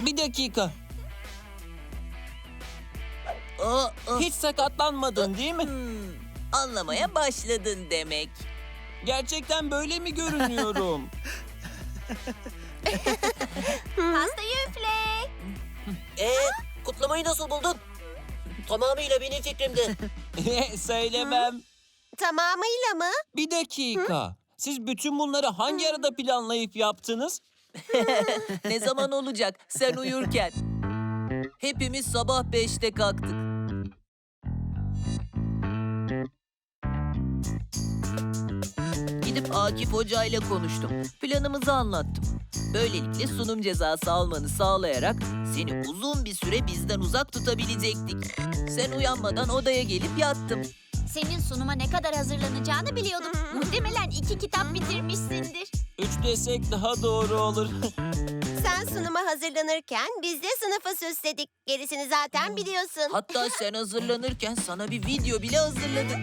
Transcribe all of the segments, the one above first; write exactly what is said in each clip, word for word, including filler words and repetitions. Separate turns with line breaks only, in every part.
Bir dakika.
Aa, aa.
Hiç sakatlanmadın değil mi?
Hmm, anlamaya başladın demek.
Gerçekten böyle mi görünüyorum?
Pastayı üfle.
Ee, kutlamayı nasıl buldun? Tamamıyla benim fikrimdi.
Söylemem.
Tamamıyla mı?
Bir dakika. Siz bütün bunları hangi arada planlayıp yaptınız?
Ne zaman olacak sen uyurken? Hepimiz sabah beşte kalktık. Gidip Akif Hoca ile konuştum. Planımızı anlattım. Böylelikle sunum cezası almanı sağlayarak seni uzun bir süre bizden uzak tutabilecektik. Sen uyanmadan odaya gelip yattım.
Senin sunuma ne kadar hazırlanacağını biliyordum. Muhtemelen iki kitap bitirmişsindir.
Üç desek daha doğru olur.
Sen sunuma hazırlanırken biz de sınıfı süsledik. Gerisini zaten biliyorsun.
Hatta sen hazırlanırken sana bir video bile hazırladık.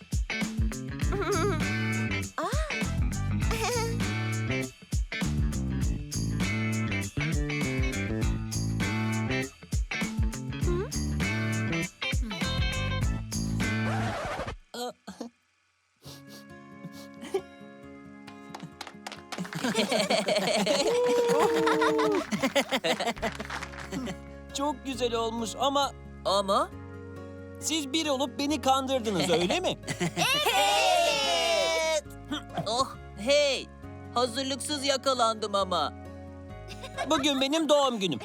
Çok güzel olmuş ama
Ama
siz bir olup beni kandırdınız öyle mi?
evet. Oh hey, hazırlıksız yakalandım ama.
Bugün benim doğum günüm.